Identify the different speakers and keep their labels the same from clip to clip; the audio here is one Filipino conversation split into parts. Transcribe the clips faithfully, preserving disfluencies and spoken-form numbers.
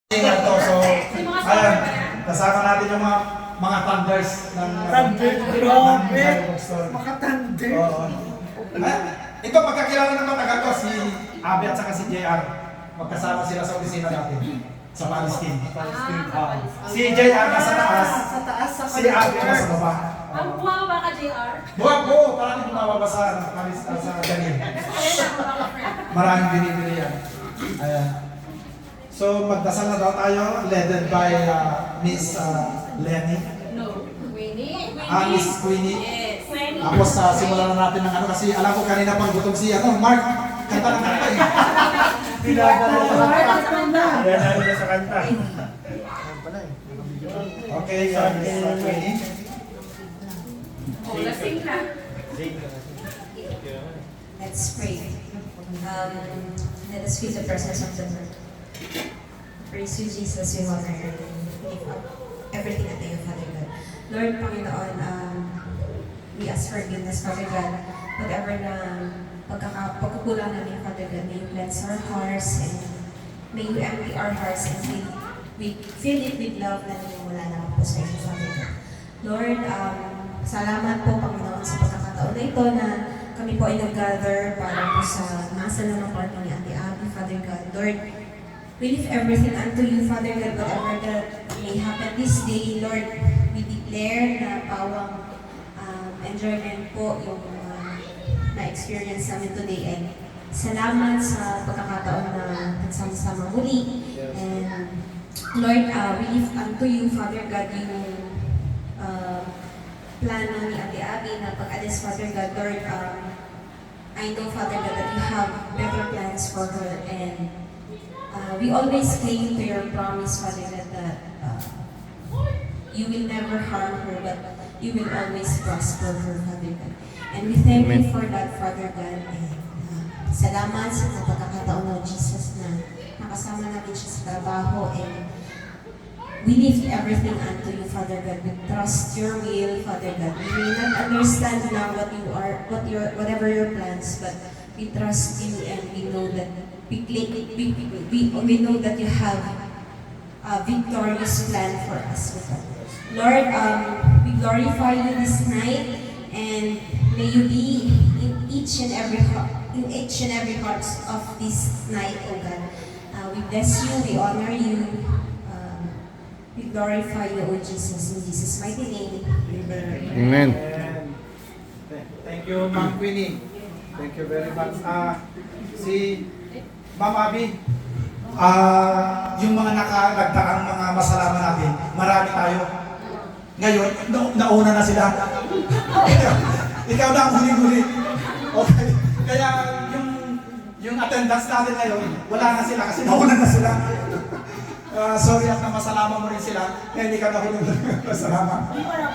Speaker 1: Ingat to. So, ayan, kasama natin yung mga mga thunders ng
Speaker 2: Thunder, grabe! Maka-thunder!
Speaker 1: Oo. Ayan, ito pagkakilala ng matagal ko, si Abby at saka si J R. Magkasama sila sa opisina natin sa Palestine. Ah, si J R nasa taas,
Speaker 2: Sa taas, sa
Speaker 1: si Abby nasa baba.
Speaker 3: Ang buwa ba ka, J R?
Speaker 1: Buwag po, parang bumababa sa, sa ganyan. Maraming binibili yan. Ayan. So, magdasal na daw tayo, led by uh, Miss uh, Lenny.
Speaker 3: No. Queenie?
Speaker 1: Ah, Miss Queenie.
Speaker 3: Yes. Queenie.
Speaker 1: Tapos uh, simulan na natin ng ano kasi alam ko kanina pang gutom si ano, Mark. Kanta ng kanta eh.
Speaker 2: Pinadala sa kanta.
Speaker 4: Pinadala niya sa kanta.
Speaker 1: Okay, so Miss uh, Queenie.
Speaker 3: Oh, lasing na.
Speaker 5: Let's pray. Um, let us feel the presence of the Lord. Praise you, Jesus. We honor you. We lift up everything at you, Father God. Lord, Panginoon, um, we ask forgiveness, Father God. Whatever na pagkaka- pagkukulang namin, Father God, may you cleanse our hearts and may you empty our hearts and fill, we fill it with love na mula naman po sa inyo, Father God. Lord, um, salamat po, Panginoon, sa pagkakataon na ito na kami po ay nag-gather para po sa nasa ng party ni Ate Abby, Father God. Lord, we lift everything unto you, Father God, whatever that may happen this day, Lord, we declare na pawang um, enjoyment po yung uh, na-experience namin today. And salamat sa pagkakataon na nagsama-sama muli. And Lord, uh, we lift unto you, Father God, yung uh, plano ni Ate Abby na pag-alis, Father God. Lord, um, I know, Father God, that you have better plans for her, and Uh, we always cling to your promise, Father God, that uh, you will never harm her, but you will always prosper her, Father God. And we thank you for that, Father God. And uh, salamat sa pagkakataon ng Jesus na nakasama namin siya sa trabaho. And we lift everything unto you, Father God. We trust your will, Father God. We may not understand now what you are, what your, whatever your plans, but we trust you and we know that We, we, we, we, we know that you have a victorious plan for us. Lord, um, we glorify you this night, and may you be in each and every heart, in each and every heart of this night, oh God. Uh, we bless you, we honor you, um, we glorify you, oh Jesus, in Jesus' mighty name.
Speaker 4: Amen.
Speaker 1: Thank you, Ma'am Queenie. Thank you very much. Ah, si Ma'am Abby, ah, yung mga nakalagdaang mga masalaman natin, marami tayo. Ngayon, na nauna na sila. Ikaw na ang huli-huli. Okay. Kaya yung yung attendance natin ngayon, wala na sila kasi nauna na sila. Uh, sorry at na masalaman mo rin sila. Kaya hindi ka na huli-huli. Masalaman.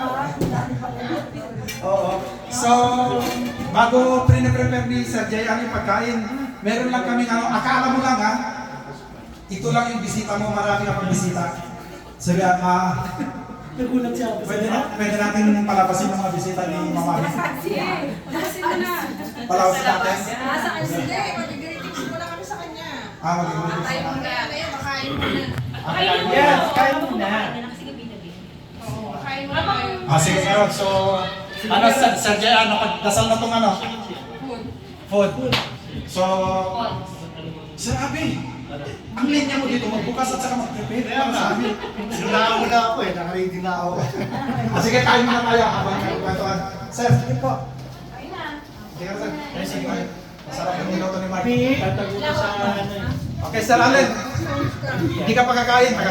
Speaker 1: Oo. So, bago pre-prepare ni Sir J R yung pagkain, meron lang kami ano, akala mo lang ha, ito lang yung bisita mo, marami na pang bisita. So, uh,
Speaker 2: Nagulat siya.
Speaker 1: pwede, na, pwede natin palabasin yung mga bisita ni Mama.
Speaker 3: Sige. Palasin mo na.
Speaker 1: Palabasin natin.
Speaker 3: Nasa akin
Speaker 6: Sige, mag-greetings muna kami sa kanya.
Speaker 1: Ah, mag-greetings
Speaker 3: Kain
Speaker 1: na.
Speaker 3: muna.
Speaker 6: Ngayon, makain muna.
Speaker 3: Kain muna.
Speaker 4: Yes, kain muna.
Speaker 3: Sige, binabi.
Speaker 6: Oo, makain muna kayo.
Speaker 1: Ah, sige, meron. So, ano, Sir, Sir J R, napagdasal na itong ano?
Speaker 6: Food.
Speaker 1: Food. So, Sir Abby, ang linya mo dito, magbukas at saka mag-prepare para sa amin.
Speaker 4: Sinunaan mo na ako eh, nakaready na ako.
Speaker 1: Ah, sige, kain muna tayo habang nagkwentuhan. Sir, sige po.
Speaker 3: Kain na.
Speaker 1: Sige, sir. Eh, sige tayo. Masarap yung niluto ni Mark.
Speaker 4: Tatago ko sa ano eh.
Speaker 1: Okay, Sir Allen. Hindi ka pa kakain.